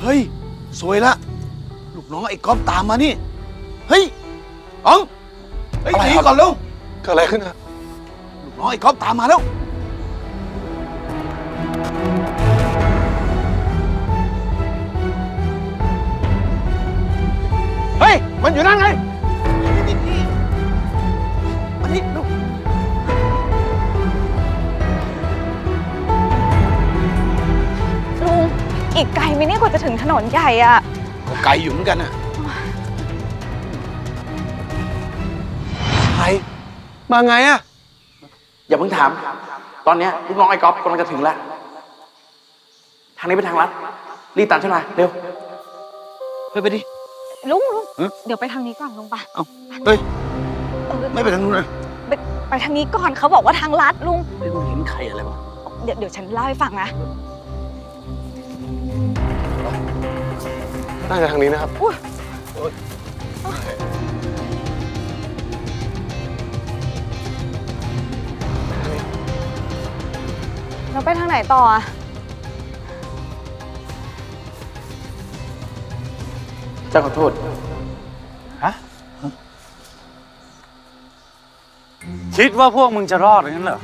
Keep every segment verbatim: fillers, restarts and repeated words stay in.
ฮ้ยสวยละลูกน้องไอ้ก๊อฟตามมานี่เฮ้ยอ๋องเฮ้ยหนีก่อนเร็วเกิดอะไรขึ้นอะลูกน้องไอ้ก๊อฟตามมาแล้วเฮ้ยมันอยู่นั่นไงนี่นี่มานี่ลูกลุงอีกไกลไหมเนี่ยกว่าจะถึงถนนใหญ่อะก็ไกลอยู่เหมือนกันน่ะใครมาไงอะอย่าเพิ่งถาม ตอนเนี้ยลูกน้องไอ้ก๊อฟกำลังจะถึงแล้ว ทางนี้เป็นทางลัด รีบตามฉันมาเร็วเฮ้ยไปดิลุงลุงฮะเดี๋ยวไปทางนี้ก่อนลุงปะเอ้าเฮ้ยเออไม่ไปทางนู้นนะไปไปทางนี้ก่อนเขาบอกว่าทางลัดลุงเฮ้ยมึงเห็นใครอะไรวะเดี๋ยวเดี๋ยวฉันเล่าให้ฟังนะน่าจะทางนี้นะครับอุ้ยเราไปทางไหนต่ออะเจ้าขอโทษคิดว่าพวกมึงจะรอดงั้นเหรอ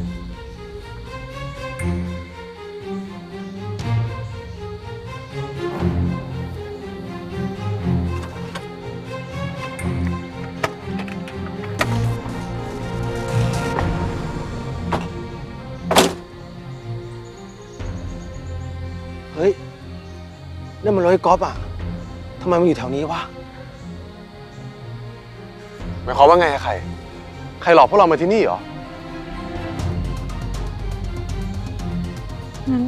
เฮ้ยนั่นมันรถไอ้ก๊อฟอะทำไมมันอยู่แถวนี้วะหมายความว่าไงอะใคร ใครหลอกพวกเรามาที่นี่เหรองั้น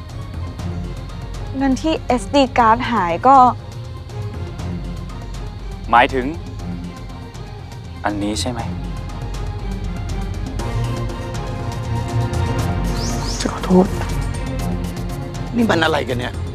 งั้นที่ เอส ดี card หายก็หมายถึง อันนี้ใช่ไหมเจ้าขอโทษนี่มันอะไรกันเนี่ย